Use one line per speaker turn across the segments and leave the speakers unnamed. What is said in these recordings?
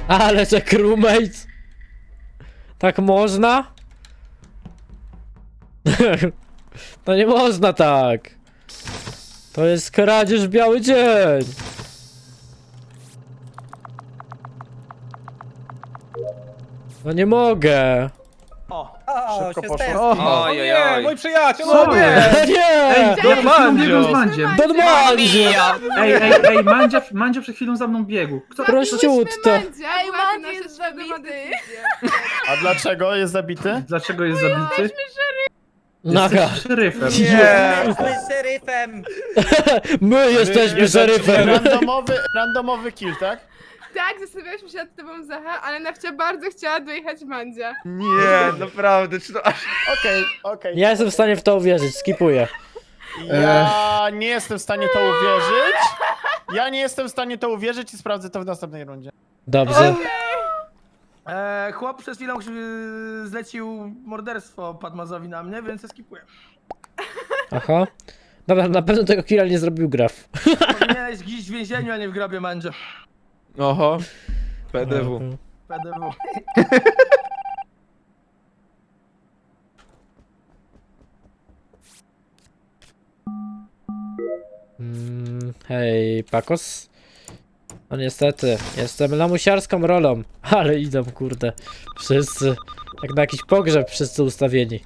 Ale że crewmate? Tak można? To nie można tak. To jest kradzież w biały dzień. No nie mogę.
O,
Szybko
się
poszło.
stęsknił.
O nie, mój przyjaciel!
Co
o
jest?
Nie!
Ja przed chwilą biegłem z Mandziem.
Don Mandzie!
Ej, Mandzia przed chwilą za mną biegł. Kto?
Prościutko.
Ej, Mandy jest zabity.
A dlaczego jest zabity?
Dlaczego jest zabity?
Naga.
Jesteś szeryfem.
Jesteś szeryfem.
My jesteśmy szeryfem.
Randomowy kill, tak?
Tak, zastanawialiśmy się nad tobą, Zacha, ale Nafcia bardzo chciała dojechać Mandzia.
Nie, naprawdę, czy to...
Okej.
Ja jestem w stanie w to uwierzyć, skipuję.
Ja nie jestem w stanie to uwierzyć. Ja nie jestem w stanie to uwierzyć i sprawdzę to w następnej rundzie.
Dobrze.
Chłop przez chwilę zlecił morderstwo Padmazowi na mnie, więc skipuję.
Aha. Dobra, na pewno tego killa nie zrobił Graf.
Powinieneś gdzieś w więzieniu, a nie w grobie Mandzio.
Oho. PDW.
PDW.
Hej, Pakos. No niestety, jestem lamusiarską rolą. Ale idą, kurde. Wszyscy. Jak na jakiś pogrzeb wszyscy ustawieni.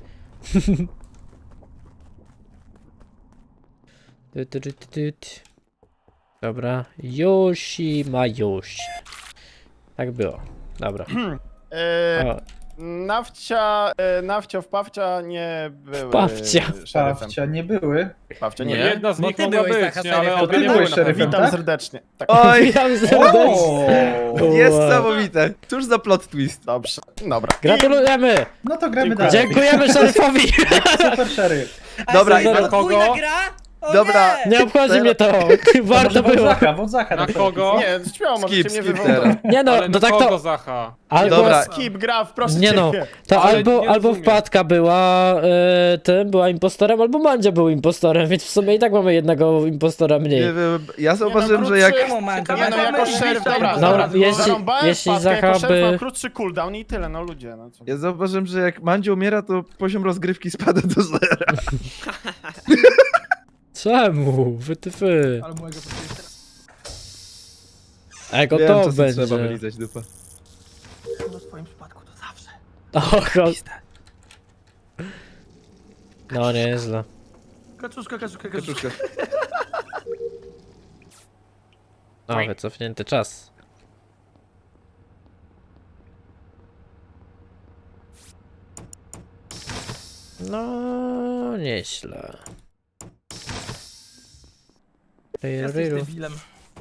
Dobra. Yoshi ma Yoshi. Tak było. Dobra. O,
Nawcio wpawcia nie były
Wpawcia.
szeryfem.
Pawcia nie były.
Wpawcia
Nie.
nie były.
Jedna z
Bo
nich
ty
mogła
byłeś
być,
taka
nie, ale
szeryfem.
obie
Ty
nie
byłeś
były na
szeryfem,
pewno.
Witam
tak?
serdecznie. Tak.
Oj,
witam serdecznie.
niesamowite. Cóż za plot twist.
Dobrze, dobra.
Gratulujemy!
No to gramy
Dziękuję.
dalej.
Dziękujemy szeryfowi!
Super szeryf.
Dobra,
i
i
na
na
kogo?
gra? O
Dobra.
Nie.
Nie obchodzi mnie to. Warto było.
Wodzacha.
Na kogo?
Nie, śmiało, możecie mnie
skip
wywołać.
teraz.
Nie no,
Ale
no
na
tak
kogo,
to.
Zacha?
Albo,
Dobra.
Skip, graf, proszę
nie no,
ciebie.
to
Ale
albo,
nie
albo
rozumiem.
wpadka była tym, była impostorem, albo Mandzia był impostorem, więc w sumie i tak mamy jednego impostora mniej.
Nie wiem, ja zauważyłem,
no,
że jak...
Czemu Mandzio?
Nie no, jako szeryf, dobra,
No,
dobra.
jeśli-
Zarąbałem
jeśli
wpadkę,
Zacha
jako szeryf
by-
mam krótszy cooldown i tyle, no ludzie, no co.
Ja zauważyłem, że jak Mandzio umiera, to poziom rozgrywki spada do zera.
Czemu? Wytyfy.
Ale mojego podejścia.
Ego
Wiem,
to
czasem
będzie.
trzeba wylizać dupę. No w twoim przypadku to zawsze.
Oho. No nieźle.
Kaczuszka.
No, wycofnięty czas. No, nieźle.
Jesteś debilem.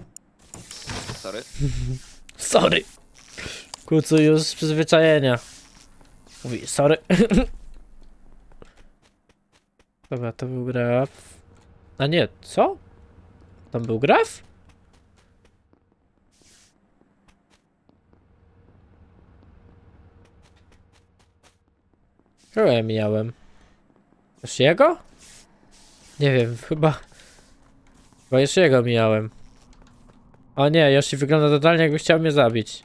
Sorry. Kucu już z przyzwyczajenia. Mówi sorry. Dobra, to był graf. A nie, co? Tam był graf? Kogo ja mijałem? Już jego? Nie wiem, chyba już jego mijałem. O nie, Yoshi wygląda totalnie jakby chciał mnie zabić.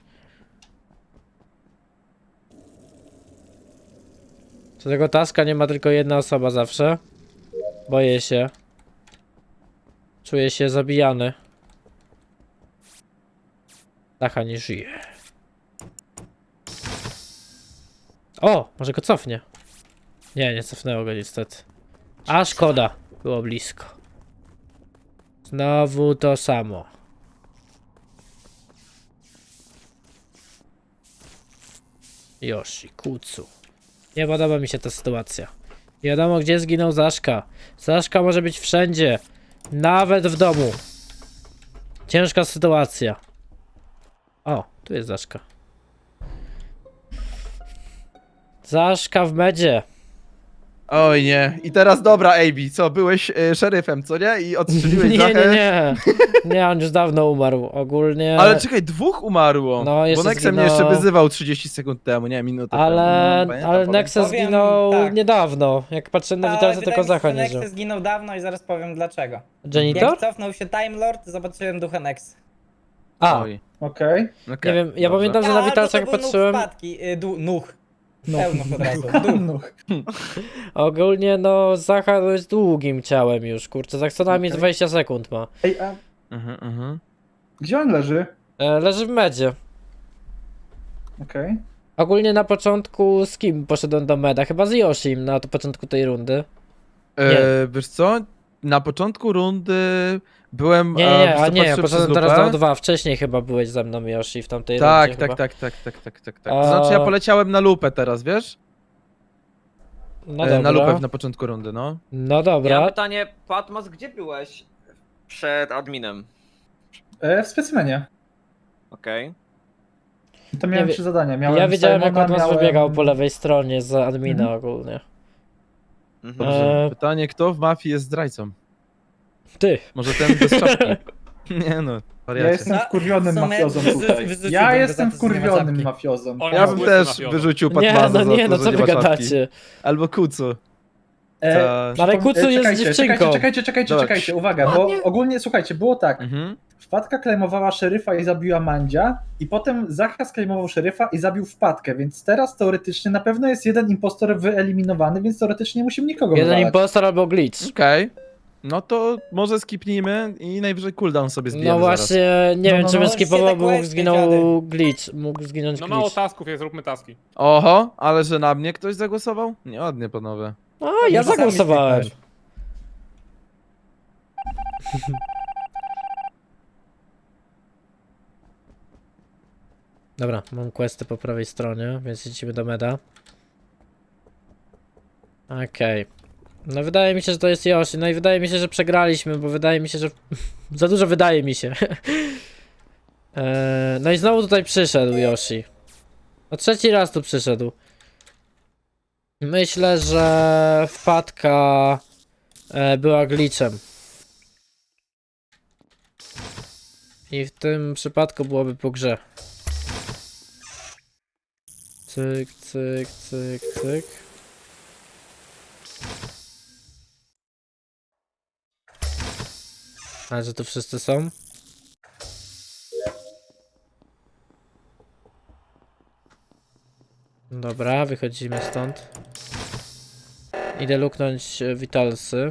Co tego taska nie ma tylko jedna osoba zawsze? Boję się. Czuję się zabijany. Taka nie żyje. O! Może go cofnie. Nie cofnęło go niestety. A szkoda. Było blisko. Znowu to samo. Yoshi, Kucu. Nie podoba mi się ta sytuacja. Nie wiadomo gdzie zginął Zaszka. Zaszka może być wszędzie. Nawet w domu. Ciężka sytuacja. O, tu jest Zaszka. Zaszka w medzie.
Oj nie. I teraz dobra, AB, co? Byłeś szeryfem, co nie? I odstrzeliłeś
Nie,
Zachę?
nie. Nie, on już dawno umarł. Ogólnie.
Ale czekaj, dwóch umarło.
No, jeszcze
Bo Nexe mnie
zginął.
jeszcze wyzywał 30 sekund temu, nie, minutę temu.
Ale,
No, pamiętam,
ale
powiem.
Nexus
Powiem
zginął
tak.
niedawno. Jak patrzę na Witalsa, tylko Zacha nie żył.
Nexe zginął dawno i zaraz powiem dlaczego.
Janitor?
Jak cofnął się Time Lord, zobaczyłem ducha Nex.
A,
Oj.
Okej.
Okej,
nie wiem, ja
dobrze.
pamiętam, że na Witalsa jak patrzyłem,
Nuch.
No.
Pełno od razu.
No.
ogólnie no Zacha jest długim ciałem już, kurczę, tak co najmniej
Okej.
20 sekund ma.
Ej, a
Mhm.
gdzie on leży?
Leży w medzie.
Okej.
Ogólnie na początku z kim poszedłem do meda? Chyba z Yoshim na początku tej rundy.
Wiesz co? Na początku rundy byłem...
Nie,
wiesz co,
a nie, ja
patrzyłem
poszedłem
przez
teraz
lupę.
do O2. Wcześniej chyba byłeś ze mną Yoshi w tamtej
Tak,
rundzie chyba.
tak. To znaczy ja poleciałem na lupę teraz, wiesz?
No
Na lupę
dobra.
na początku rundy, no.
No
Ja mam
dobra.
pytanie, Patmos, gdzie byłeś przed adminem?
W specymenie.
Okej.
To miałem
wie-
3 zadania. Miałem
Ja widziałem jak
Simona,
Patmas
miałem-
wybiegał po lewej stronie z admina
Mhm.
ogólnie.
Mhm.
Dobrze.
Eee.
Pytanie, kto w mafii jest zdrajcą?
Ty.
Może ten bez czapki? Nie no,
Ja
wariacie.
jestem wkurwionym mafiozą tutaj.
wyrzuciłbym
Ja
go
jestem
za to, że nie ma
wkurwionym
czapki.
mafiozą.
Ja bym też wyrzucił Patmaza
Nie, no nie,
za
no
to,
co
że
wy
nie ma czapki.
gadacie?
Albo Kucu.
Ale Kucu jest
czekajcie,
dziewczynką.
Czekajcie,
Dobra.
uwaga, bo ogólnie słuchajcie, było tak.
Mhm.
Wpadka klejmowała szeryfa i zabiła Mandzia, i potem Zacha sklejmował szeryfa i zabił Wpadkę, więc teraz teoretycznie na pewno jest jeden impostor wyeliminowany, więc teoretycznie nie musimy nikogo
Jeden
wywalać.
impostor albo glitch.
Okej. No to może skipnijmy i najwyżej cooldown sobie zbijemy
No
zaraz.
właśnie, nie
No,
wiem
no,
czy
no.
bym
Możecie
skipował,
tak
bo mógł
questy,
zginął
dziady.
glitch. Mógł zginąć
No mało
glitch.
tasków jest, zróbmy taski.
Oho, ale że na mnie ktoś zagłosował? Nieładnie, panowie.
A, ja
sami
zagłosowałem.
skipnąłeś.
Dobra, mam questy po prawej stronie, więc idziemy do meda. Okej. No wydaje mi się, że to jest Yoshi. No i wydaje mi się, że przegraliśmy, bo wydaje mi się, że... Za dużo wydaje mi się. No i znowu tutaj przyszedł Yoshi. No trzeci raz tu przyszedł. Myślę, że wpadka była glitchem. I w tym przypadku byłoby po grze. Cyk, cyk, cyk, cyk. A, że tu wszyscy są? Dobra, wychodzimy stąd. Idę luknąć Witalsy.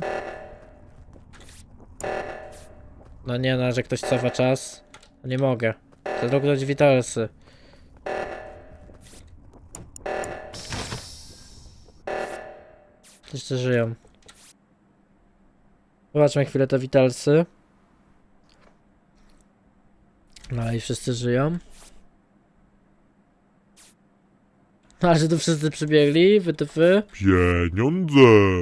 No nie, no, że ktoś cofa czas. No nie mogę. Chcę luknąć Witalsy. Jeszcze żyją. Zobaczmy chwilę te Witalsy. No i wszyscy żyją. A, że tu wszyscy przybiegli, wytyfy.
Pieniądze.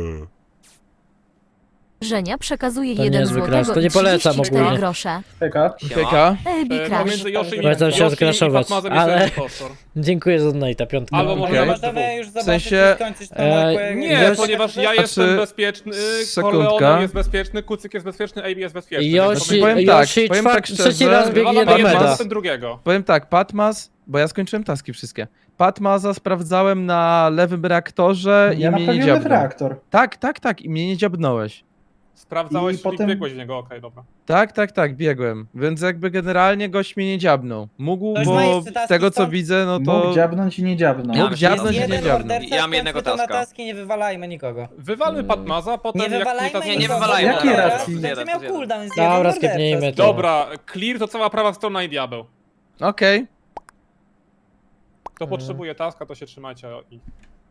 Żenia przekazuje
To
1
niezły crash,
złotego
to nie
i
polecam
34
ogólnie.
grosze.
Hejka.
Hejka.
Big Crash.
Pomiędzy Yoshi i
Polecam się
Yoshi i
odkraszować,
Patmazem
ale-
jest impostor.
Dziękuję za donate'a, piątka.
Albo może
Okej.
nawet
Możemy
dwóch.
już zobaczyć
sensie-
i skończyć to
Nie,
Yoshi-
ponieważ ja jestem bezpieczny,
sekundka.
Corleone jest bezpieczny, Kucyk jest bezpieczny, AB jest bezpieczny.
Yoshi,
powiem tak,
Yoshi
powiem tak
trzeci
szczerze,
raz biegnie do
Wywalamy jednego,
meda.
ten drugiego.
Powiem tak, Patmaz, bo ja skończyłem taski wszystkie. Patmaza sprawdzałem na lewym reaktorze
Ja
i mnie nie
naprawiłem w
dziabnął.
reaktor.
Tak, i mnie nie dziabnąłeś.
Sprawdzałeś,
I
czyli
potem-
biegłeś w niego, okej, dobra.
Tak, biegłem. Więc jakby generalnie gość mnie nie dziabnął. Mógł,
Ktoś ma
bo
jeszcze
z
taski
tego co
stąd?
widzę, no
Mógł
to...
dziabnąć i nie dziabnął.
Mógł dziabnąć i nie
jeden
dziabnął.
morderca,
Ja mam jednego
skończmy to
taska.
na taski, nie wywalajmy nikogo.
Wywalmy Patmaza, potem
Nie
jak
wywalajmy
taski-
nie
nikogo.
wywalajmy.
Jakiej
Teraz
racji?
Będzie
Jeden,
miał
plus jeden.
cooldown, jest
Dobra,
jeden
skipnijmy
morderca.
to.
Dobra, clear to cała prawa strona i diabeł.
Okej.
Kto potrzebuje taska, to się trzymajcie i...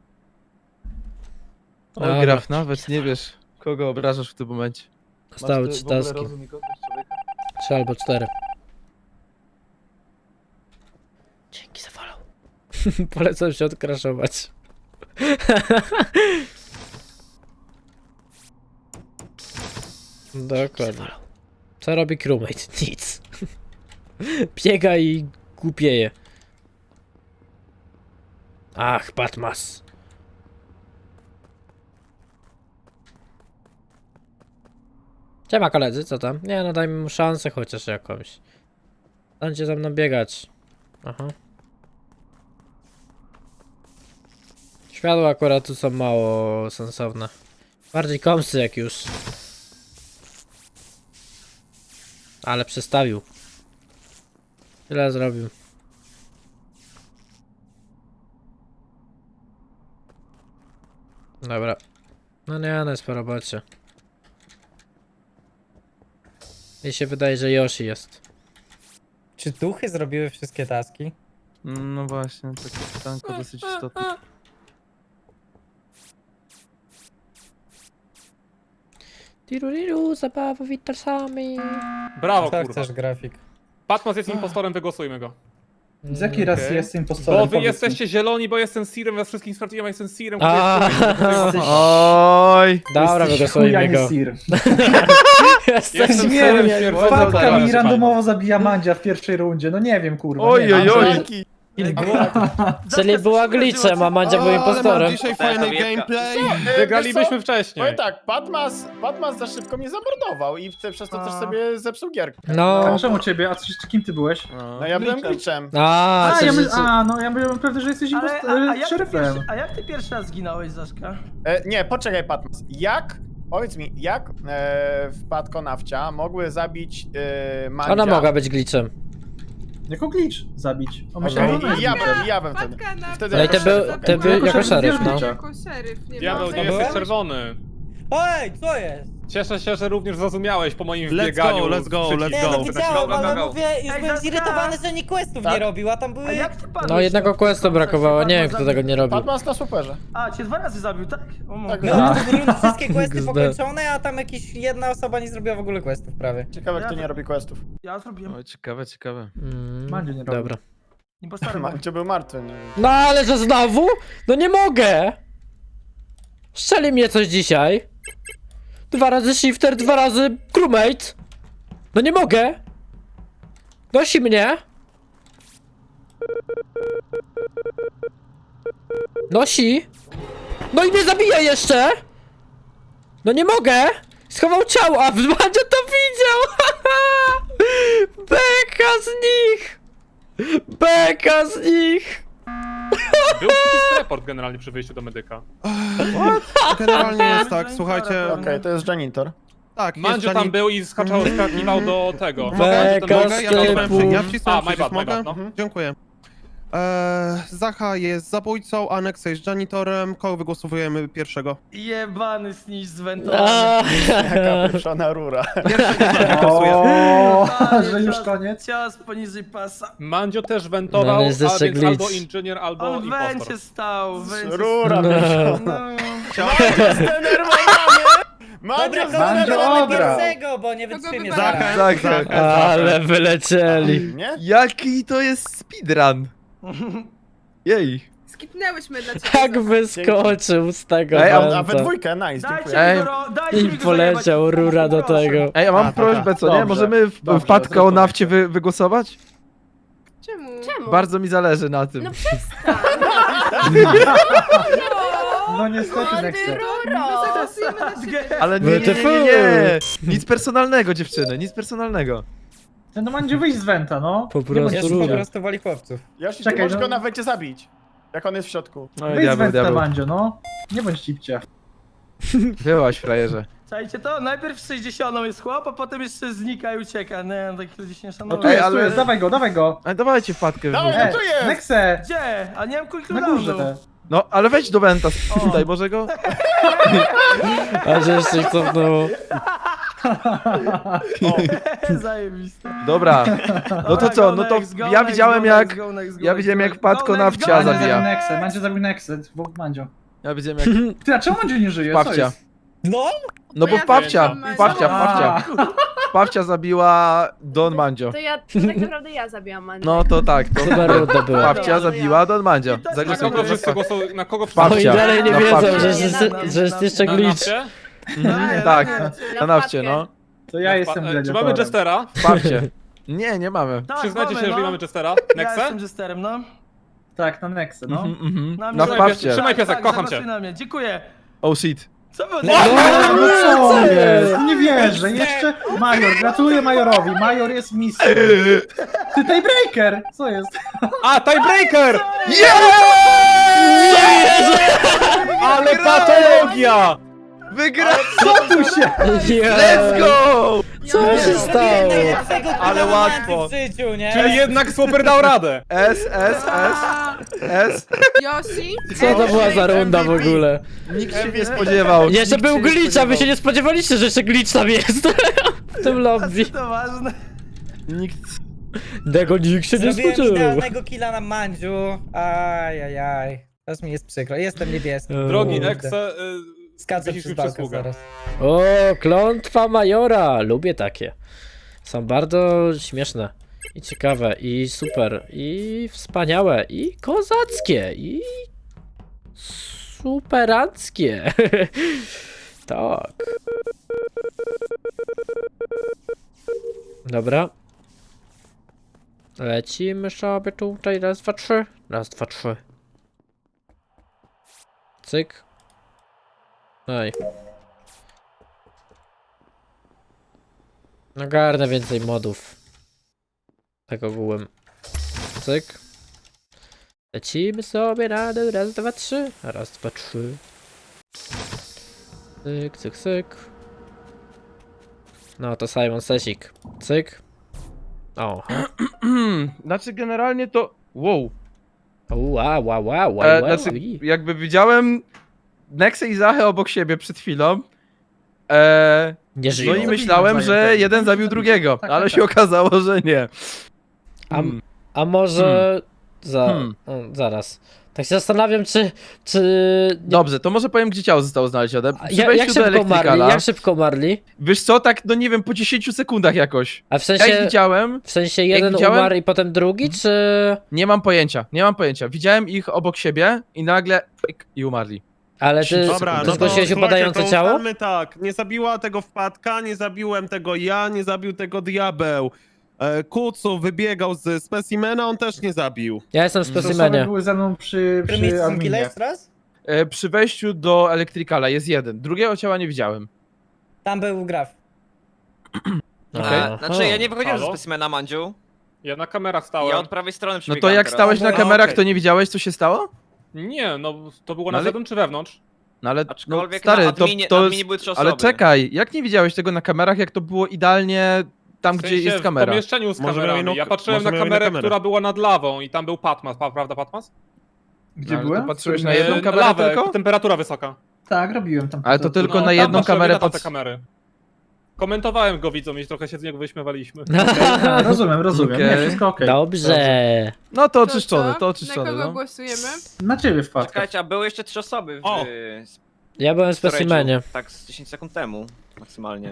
O,
Dobra.
Graf, nawet nie wiesz, kogo obrażasz w tym momencie.
Zostały
Masz
3
w ogóle
taski.
rozum i godność człowieka?
3 albo 4. Dzięki za follow. Polecam się odkraszować. Dokładnie. Co robi crewmate? Nic. Biega i głupieje. Ach, Patmas. Siema koledzy, co tam? Nie no, dajmy mu szansę chociaż jakąś. Będzie za mną biegać. Aha. Światła akurat tu są mało sensowne. Bardziej komsy jak już. Ale przestawił. Tyle zrobił. Dobra. No nie, no jest po robocie. Mi się wydaje, że Yoshi jest.
Czy duchy zrobiły wszystkie taski?
No właśnie, takie pytanko dosyć istotne.
Tiruriru, zabawa witalsami.
Brawo,
Tak,
kurwa.
chcesz grafik.
Patmas jest impostorem, wygłosujmy go.
Z jakiej racji
Okej.
jest impostorem?
Bo wy
Powiedz mi.
jesteście zieloni, bo jestem Sirem, was wszystkim sprawdziłem, a jestem Sirem.
A.
Oj!
Dobra,
Jesteś
wygłosujmy
chuj, a nie
go.
Sir.
Jestem
Jestem
Nie
Sirem,
wiem,
stwierdzam,
wpadka
dobra,
mi
proszę
randomowo zabija Mandzia w pierwszej rundzie, no nie wiem, kurwa.
Oj,
nie wiem.
oj, oj.
Dzięki.
Czyli była glitchem, a Mandzia był impostorem.
Dzisiaj
fajny
gameplay.
Wygralibyśmy wcześniej.
Powiem tak, Patmas za szybko mnie zamordował i przez to też sobie zepsuł gierkę.
No.
A czemu ciebie? A kim ty byłeś?
No ja byłem glitchem.
A,
Ja byłem pewny, że jesteś szeryfem.
A jak ty pierwszy raz zginąłeś, Zaszka?
Nie, poczekaj Patmas. Powiedz mi, jak wpadko nawcia mogły zabić Mandzia?
Ona mogła być glitchem.
Jako glitch zabić. O,
Okej,
myślałem, że ona
i
jest glitchem.
ja bym wtedy.
Wpadka na...
Wtedy
No i
jako
ty był,
szeryf,
ty
okej.
był jako szeryf, no.
Jako szeryf, nie
Diabeł,
wiem.
nie
byłeś?
jesteś czerwony.
Oj, co jest?
Cieszę się, że również zrozumiałeś po moim
Let's
wbieganiu.
go, let's go,
w
let's
Nie,
przycisk.
no
go.
widziałem, ale
Go.
mówię, już
Ej,
byłem
Zaska!
zirytowany, że nikt questów
Tak?
nie robił, a tam były...
A jak ty padłeś?
No jednego questu brakowało, nie wiem kto tego nie robił.
Patmas na superze.
A, cię 2 razy zabił, tak? O,
Tak,
mogę.
No, to były wszystkie questy
XD.
pokończone, a tam jakaś jedna osoba nie zrobiła w ogóle questów prawie.
Ciekawe, kto nie robi questów.
Ja zrobiłem.
Oj, ciekawe, ciekawe.
Mm,
Mandzio nie robi.
dobra.
Impostorem.
Mandzio był martwy. Nie?
No ale że znowu? No nie mogę! Strzeli mnie coś dzisiaj. 2 razy shifter, 2 razy crewmate. No nie mogę! Nosi mnie! Nosi! No i mnie zabija jeszcze! No nie mogę! Schował ciało, a Mandzio to widział! Beka z nich! Beka z nich!
Był jakiś report generalnie przy wyjściu do medyka.
Generalnie
jest tak, słuchajcie. Okej, to jest janitor.
Tak,
Mandzio tam był i skakiwał do tego.
Beka
Mogę?
z
Ja wcisnąłem
typu.
przycisk.
Ja wcisnąłem
A, my
przycisk,
bad,
mogę?
no.
Dziękuję. Zacha jest zabójcą, Anexa jest janitorem. Kogo wygłosowujemy pierwszego?
Jebany snitch zwentowany.
Jaka pieprzona rura.
O,
Totalnie
że już
cios-
koniec.
Cios poniżej pasa.
Mandzio też
No,
wentował,
ale jest
a
jeszcze
więc
glitch.
albo inżynier, albo
On w
impostor.
węcie stał, w węcie
Rura
No.
pieprzona.
No.
Mandzio zdenerwowany!
Dobra,
Mandzio
kogo
Mandzio
wybieramy
obrał.
pierwszego, bo nie wytrzymie
wybieramy?
zaraz.
Ale wylecieli.
Nie?
Jaki to jest speedrun? Jej.
Skipnęłyśmy dla ciebie.
Jak
Zacha.
wyskoczył z tego
Ej,
A we
węta.
dwójkę, nice,
Dajcie
dziękuję.
mi go, dajcie
I
mi go
poleciał
zajebać.
rura do
Proszę.
tego.
Ej, a mam
A,
prośbę, co nie?
dobrze,
Możemy
dobrze,
wpadkę o
zrób to.
nafcie wygłosować?
Czemu?
Czemu?
Bardzo mi zależy na tym.
No przestań.
No niestety,
Młody
Nexy.
ruro.
Zagłosujemy na siebie.
Ale nie, nie, nie, nie, nie. Nic personalnego, dziewczyny, nic personalnego.
No Mandzio, wyjść z Wenta, no.
Po
Nie
prostu
bądź
Jest po
rura.
szybcia.
prostu wali chłopców.
Yoshi, ty
Czekaj,
możesz
no.
go na wecie zabić. Jak on jest w środku.
Oj,
Wyjdź z
diabeł,
Wenta,
diabeł.
Mandzio, no. Nie bądź cipcia.
Byłaś, frajerze.
Czajcie to? Najpierw 60 jest chłop, a potem jeszcze znika i ucieka. Nie, takich ludzi się nie
No
szanuje.
tu
Ej,
jest,
ale-
tu jest, dawaj go, dawaj go.
Ale dawajcie wpadkę.
Dawaj,
wrzuć.
no tu jest!
Nexe,
Gdzie? A nie mam
na
kulturdownu.
górze.
No, ale wejdź do Wenta, tutaj, może go?
A że jeszcze ich cofnęło.
Zajebiste.
Dobra. No to co, no to ja widziałem jak... Ja widziałem jak wpadko nafcia
Mandzio
zabija.
zabił Nexę, Mandzio zabił Nexę. Dwóch Mandzio.
Ja widziałem jak...
Ty, a czemu Mandzio nie żyje? Co
Pawcia.
jest?
No,
No bo
ja
Pawcia,
zabiłam
Pawcia. Pawcia zabiła Don Mandzio.
To tak naprawdę ja zabijam Mandzia.
No to tak, to
Chyba ruda była.
Pawcia zabiła Don Mandzio.
I to-
Na
Zagłosujmy
kogo
na
wszyscy
Pawcia.
głosują? Na kogo wszyscy
Oni
Pawcia.
dalej nie
Na
wiedzą,
Pawcia.
że jest jeszcze
Na
glitch.
nafcie?
Tak,
Na
na nafcie,
wpadkę.
no.
To ja jestem
Czy
gladiatorem.
mamy Jestera?
Pawcie. Nie mamy.
Tak,
Przyznajcie się,
mamy,
jeżeli
no.
mamy Jestera.
Ja
Nexę?
jestem jesterem, no.
Tak, na Nexę, no.
Na
Na
mnie-
Pawcie.
Trzymaj piesek,
Tak,
kocham
zagłosuj
cię.
na mnie. Dziękuję.
Oh shit.
Co było?
No co jest? Nie wierzę, jeszcze Major, gratuluję Majorowi, Major jest misją. Ty, tiebreaker! Co jest?
A, tiebreaker! Ale patologia!
Wygrałem!
Co tu się...
Let's go!
Co się stało?
Ale łatwo.
W życiu, nie?
Czyli jednak Super dał radę.
S.
Yoshi?
Co to była za runda w ogóle?
Nikt się nie spodziewał.
Jeszcze
nikt
był
się nie
glitch, a wy
spodziewał.
się nie spodziewaliście, że jeszcze glitch tam jest w tym lobby.
To ważne.
Nikt...
Tego nikt się nie
Zrobiłem
spodziewał.
idealnego killa na Mandziu. Ajajaj. Teraz mi jest przykro. Jestem niebieski.
Drogi
Kurde.
Exe,
Skaczę
widzisz
przez
mi
balkon
przysługę.
zaraz.
O, klątwa Majora. Lubię takie. Są bardzo śmieszne. I ciekawe, i super, i wspaniałe, i kozackie, i superanckie. Tak. Dobra. Lecimy sobie tutaj. Raz, dwa, trzy. Raz, dwa, trzy. Cyk. Oj. Nagarnę więcej modów. Tak ogółem. Cyk. Lecimy sobie na dół. Raz, dwa, trzy. Raz, dwa, trzy. Cyk, cyk, cyk. No to Simon Sesik. Cyk. O.
Znaczy generalnie to... Wow.
Wow.
Znaczy jakby widziałem Nexę i Zachę obok siebie przed chwilą.
Nie
No
żyją.
i myślałem, że jeden zabił drugiego,
Tak,
ale
tak,
się okazało, że nie.
A może... Zaraz. Tak się zastanawiam, czy...
Dobrze, to może powiem, gdzie ciało zostało znalezione. Przy
Jak
wejściu do
szybko marli?
Elektrykala.
Jak szybko marli?
Wiesz co, tak, no nie wiem, po 10 sekundach jakoś.
A w
Ja ich
sensie...
widziałem,
W sensie jeden
widziałem-
umarł i potem drugi, czy...
nie mam pojęcia. Widziałem ich obok siebie i nagle pyk, i umarli.
Ale ty,
Dobra,
ty
no to
zgłosiłeś upadające
to
ciało?
ustalmy tak, nie zabiła tego wpadka, nie zabiłem tego ja, nie zabił tego diabeł. Kucu wybiegał z specimena, on też nie zabił.
Ja jestem w
Osoby
specimenie.
były ze mną przy
Który miejsce są killa
adminie.
jeszcze raz?
Przy wejściu do Elektrykala jest jeden, drugiego ciała nie widziałem.
Tam był Graf.
Aha.
Znaczy, ja nie wychodziłem ze
Halo?
specimena, Mandziu.
Ja na kamerach stałem.
Ja od prawej strony
No
przebiegałem
to jak
teraz.
stałeś na
A,
kamerach,
okej.
to nie widziałeś, co się stało?
Nie, no to było
No
na
ale-
zewnątrz czy wewnątrz?
No ale,
Aczkolwiek
no, stary,
na adminie,
to
na
jest...
adminie były 3 osoby.
Ale czekaj, jak nie widziałeś tego na kamerach, jak to było idealnie tam,
W
gdzie
sensie
jest
w
kamera?
pomieszczeniu z
Może miał
kamerami.
inną-
Ja patrzyłem
może
na
miał inną
kamerę,
kamerę.
która była nad lawą i tam był Patmas, prawda Patmas?
Gdzie
No, ale
byłem?
to patrzyłeś
W
na
którym-
jedną
E,
kamerę
lawę,
tylko?
temperatura wysoka.
Tak, robiłem tam.
Ale to tylko na
tam
jedną
patrzyłem
kamerę
na
pod...
te kamery. Komentowałem go widzom i trochę się z niego wyśmiewaliśmy.
A, rozumiem.
Okej.
Nie, wszystko okej.
Dobrze.
No to
To
oczyszczone,
co?
to oczyszczone,
Na kogo
no.
głosujemy?
Na ciebie wpadka.
Czekajcie, a były jeszcze 3 osoby w
O!
Ja byłem w specimenie.
Tak z 10 sekund temu maksymalnie.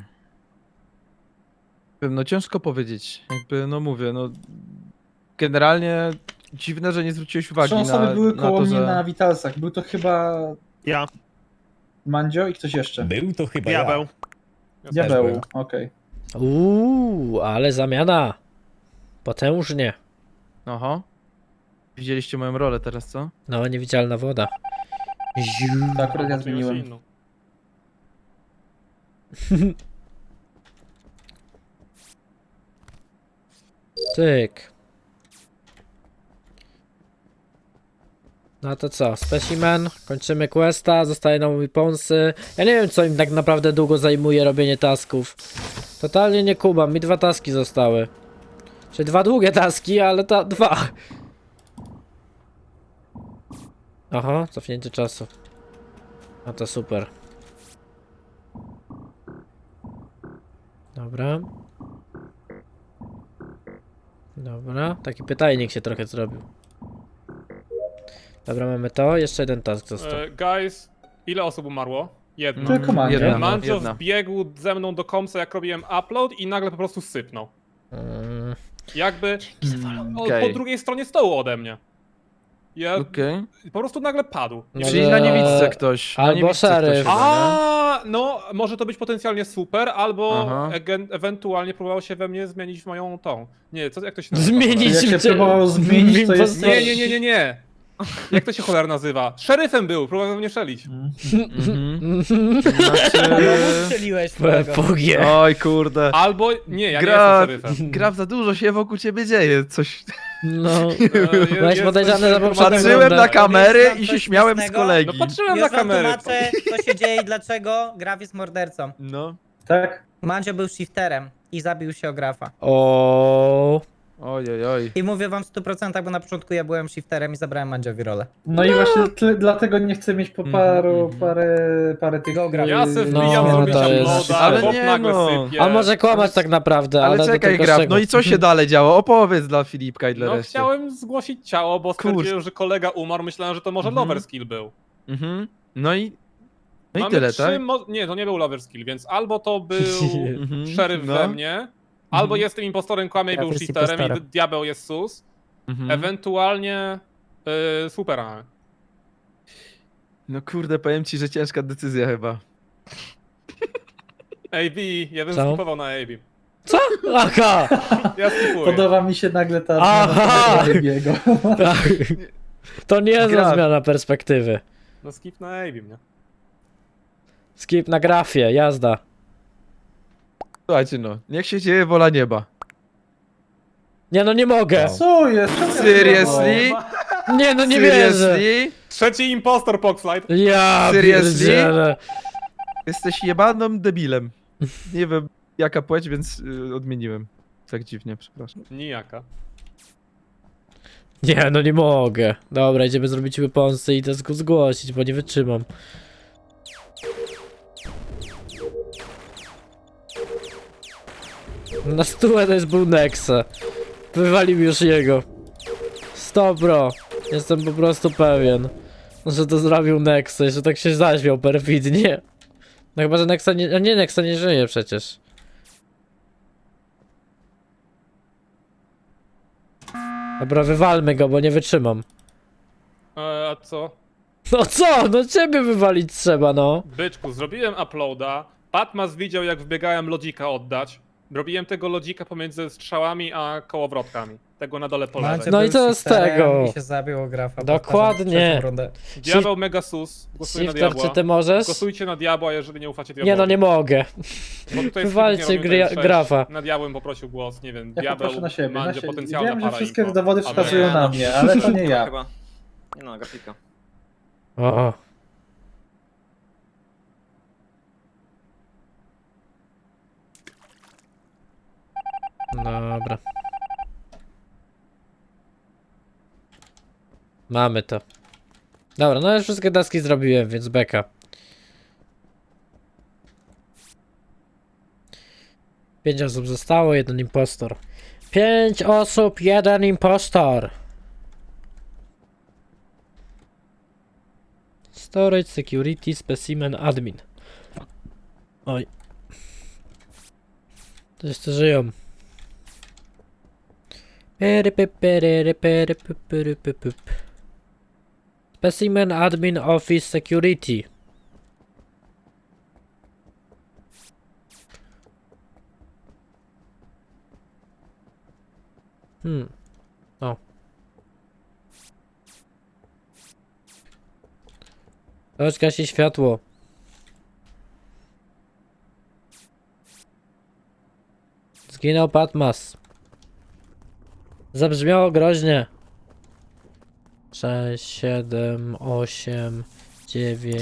No ciężko powiedzieć, jakby, no mówię, no... Generalnie dziwne, że nie zwróciłeś uwagi
3 osoby
na,
były
na
koło
to,
mnie
że...
na Witalsach. Był to chyba
Ja,
Mandzio i ktoś jeszcze.
Był to chyba
diabeł.
ja.
Diabeł, okej.
Ale zamiana. Potężnie.
Aha. Widzieliście moją rolę teraz, co?
No, niewidzialna woda. Ziu.
To akurat ja
Zmieniło się
zmieniłem.
inną.
Tyk. No to co, specimen, kończymy questa, zostaje nam weaponsy. Ja nie wiem, co im tak naprawdę długo zajmuje robienie tasków. Totalnie nie kumam, mi 2 taski zostały. Czyli 2 długie taski, ale to 2. Aha, cofnięcie czasu. No to super. Dobra. Dobra, taki pytajnik się trochę zrobił. Dobra, mamy to, jeszcze jeden task został.
Guys, ile osób umarło? Jedno.
Tylko Mandzio.
Jedna.
Mancio
jedna.
wbiegł ze mną do komsa, jak robiłem upload i nagle po prostu sypnął. Jakby
Okej.
po drugiej stronie stołu ode mnie. Ja
Okej.
po prostu nagle padł.
Może-
Czyli na niewidce ktoś. Na
albo
niewidce ktoś
szeryf.
chyba, nie?
A, no, może to być potencjalnie super, albo
Aha.
ewentualnie próbował się we mnie zmienić w moją tą. Nie, co jak to się nazywa?
Zmienić
Jak się
cię-
próbował zmienić, to jest...
Nie. Jak to się cholera nazywa? Szeryfem był, próbował mnie szelić.
Strzeliłeś
Fugie.
Oj kurde.
Albo, nie, ja nie
Graf,
jestem szeryfem.
Graf, za dużo się wokół ciebie dzieje, coś...
No,
Je-
byłeś
jest
podejrzany za
coś
poprzednią
Patrzyłem
rundę.
na kamery
Jest tam
i się
coś
śmiałem z
śmiesznego?
kolegi.
No patrzyłem
Już
na
wam
kamery.
tłumaczę, co się dzieje i dlaczego Graf jest mordercą.
No.
Tak?
Mandzio był shifterem i zabił się o Grafa.
O.
Oj, oj, oj.
I mówię wam w 100%, bo na początku ja byłem shifterem i zabrałem Mandziowi rolę.
No i właśnie dlatego nie chcę mieć po parę tych...
Go, Graf.
Ja se
No,
wbijam zrobić
to jest-
uploada,
Ale
Bob
nie,
nagle
no.
sypie.
A może kłamać tak naprawdę, ale
Ale
do
czekaj,
tylko
Graf,
czego?
no i co się dalej działo? Opowiedz dla Filipka i dla
No
reszty.
chciałem zgłosić ciało, bo stwierdziłem, że kolega umarł, myślałem, że to może Loverskill był.
Mhm. No i
Mamy
tyle,
trzy
tak?
Nie, to nie był Loverskill, więc albo to był
Mhm,
szeryf
no.
we mnie, albo jestem impostorem, kłamie i
Ja
był
jestem
shifterem i
impostorem.
diabeł jest sus.
Mhm.
Ewentualnie supera.
No kurde, powiem ci, że ciężka decyzja chyba.
AB, ja bym
Co?
skipował na AB.
Co? Aha!
Ja skipuję.
Podoba mi się nagle ta
Aha!
biego.
Tak. To nie jest
Graf.
zmiana perspektywy.
No skip na AB, nie?
Skip na grafie, jazda.
Słuchajcie no, niech się dzieje wola nieba.
Nie no, nie mogę.
Co jest? Czemu ja
Seriously?
Nie no, nie wierzę.
Seriously?
Trzeci impostor, Poxlight.
Ja
Seriously?
pierdzielę.
Jesteś jebanym debilem. Nie wiem jaka płeć, więc odmieniłem. Tak dziwnie, przepraszam.
Nijaka.
Nie no, nie mogę. Dobra, idziemy zrobić wyponsy i to zgłosić, bo nie wytrzymam. Na stówę to jest był Nexa. Wywalił już jego. 100 pro. Jestem po prostu pewien, że to zrobił Nexa i że tak się zaśmiał perfidnie. No chyba, że Nexa nie... A nie, Nexa nie żyje przecież. Dobra, wywalmy go, bo nie wytrzymam.
A co?
No co? No ciebie wywalić trzeba, no.
Byczku, zrobiłem uploada. Patmas widział, jak wbiegałem lodzika oddać. Robiłem tego lodzika pomiędzy strzałami a kołowrotkami. Tego na dole po lewej.
Mandzio
No
był
i co z
shifterem
tego?
I się zabił o Grafa.
Dokładnie.
powtarzam trzecią rundę.
Diabeł Megasus. Głosuję na
Shifter,
diabła.
czy ty możesz?
Głosujcie na diabła, jeżeli nie ufacie diabłowi.
Nie no, nie mogę.
Bo tutaj
Wywalcie
skip nie robią, to jest
grafa.
6. Na diabłem poprosił głos, nie wiem,
Ja
diabeł,
poproszę na siebie.
Mandzio, potencjalna
Wiem, że
para
wszystkie
info.
dowody
Ale-
wskazują na mnie, ale to nie ja.
Chyba. Nie no, grafika.
O. Dobra. Mamy to. Dobra, no już wszystkie taski zrobiłem, więc beka. 5 osób zostało, 1 impostor. 5 osób, 1 impostor. Storage, security, specimen, admin. Oj. To jeszcze żyją. Specimen, admin, office, security. O. Chodź, gasi światło. Zginął Patmas. Zabrzmiało groźnie. 6, 7, 8, 9,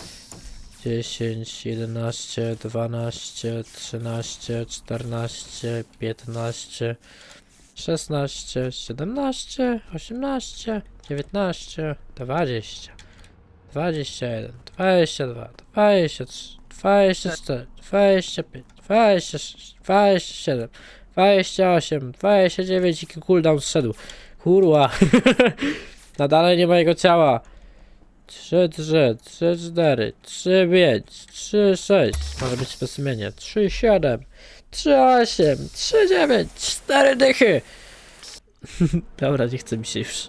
10, 11, 12, 13, 14, 15, 16, 17, 18, 19, 20, 21, 22, 23, 24, 25, 26, 27, 28, 29 i cooldown zszedł. Kurwa. Nadal nie ma jego ciała. 3, 3, 3, 4, 3, 5, 3, 6. Może być w specimenie. 3, 7, 3, 8, 3, 9, 4 dychy. Dobra, nie chce mi się już.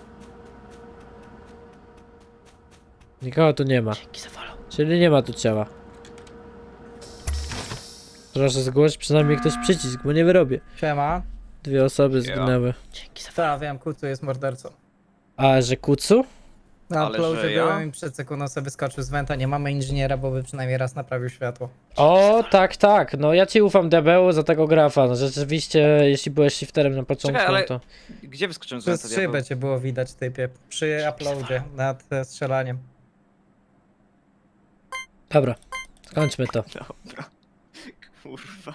Nikogo tu nie ma. Czyli nie ma tu ciała. Proszę zgłoś przynajmniej ktoś przycisk, bo nie wyrobię.
Siema.
2 osoby zginęły.
Tak, wiem, Kucu jest mordercą.
A że Kucu?
Na
Ale
uploadzie
że ja?
byłem i przed sekundą sobie wyskoczył z Wenta. Nie mamy inżyniera, bo by przynajmniej raz naprawił światło.
O, tak. No ja ci ufam, diabeł, za tego grafa. No rzeczywiście, jeśli byłeś shifterem na początku,
ale-
to...
Gdzie wyskoczyłem z
Przez
Wenta, diabeł?
szybę cię było widać, typie. Przy uploadzie nad strzelaniem.
Dobra, skończmy to.
Dobra. Kurwa.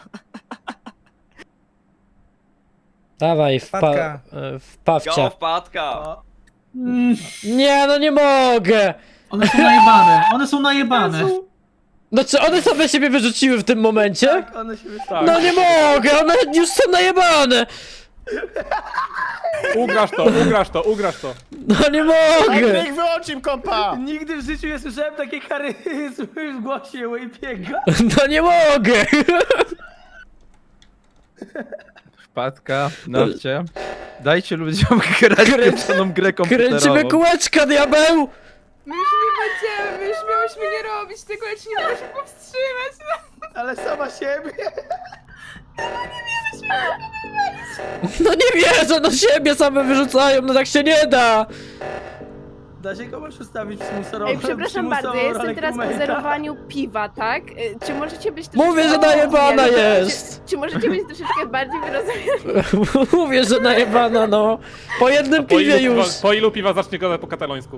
Dawaj,
Wpadka.
Go,
wpawcia.
wpadka!
Nie, no nie mogę!
One są najebane, one są najebane.
No czy one same siebie wyrzuciły w tym momencie?
Tak, one się
Tak.
No nie mogę, one już są najebane!
Ugrasz to.
No nie
Ej,
mogę!
niech wyłączim kompa!
Nigdy w życiu nie słyszałem takiej charyzmy w głosie Łypiego.
No nie mogę!
Wpadka, nawcie. Dajcie ludziom grać w kręconą grę komputerową.
Kręcimy kółeczka, diabeł!
My już nie będziemy, my już miałyśmy nie robić tego, lecz nie mogę się powstrzymać.
Ale sama siebie.
No nie wierzę, no siebie same wyrzucają, no tak się nie da!
Da się komuś ustawić przymusową
Ej, przepraszam bardzo, ja jestem teraz po zerowaniu piwa, tak? Czy możecie być troszeczkę...
Mówię, że najebana
Nie, no,
jest!
Czy możecie być troszeczkę bardziej wyrozumiali?
Mówię, że najebana, no! Po jednym piwie już!
Po ilu piwa zacznie gadać po katalońsku?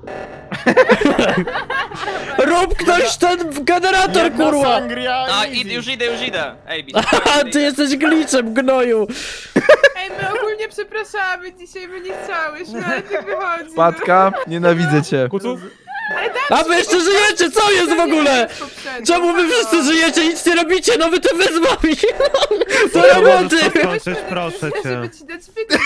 Rób ktoś ten generator,
Jedna
kurwa!
sangria
A,
easy.
już idę. Ej, bić.
A ty jesteś glitchem, gnoju!
Ej, my ogólnie przepraszamy dzisiaj, my nie chciałyśmy, ale tak wychodzi.
Wpadka, nienawidzę cię.
Kucu?
A wy jeszcze żyjecie, co jest w ogóle? Czemu wy wszyscy żyjecie, nic nie robicie, no wy to wyzwami! Do roboty!
proszę cię.
Żeby ci dać wygrać.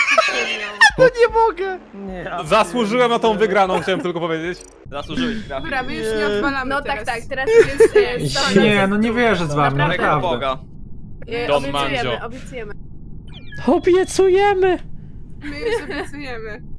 Nie,
Zasłużyłem na tą wygraną, chciałem tylko powiedzieć.
Zasłużyłeś, grafik.
Dobra, my już nie odwalamy
No
teraz.
tak, teraz jest...
Nie, no nie wierzę z wami,
Naprawdę.
Tego
naprawdę.
Boga.
Don
Obiecujemy,
Mandzio.
obiecujemy.
Obiecujemy!
My już obiecujemy.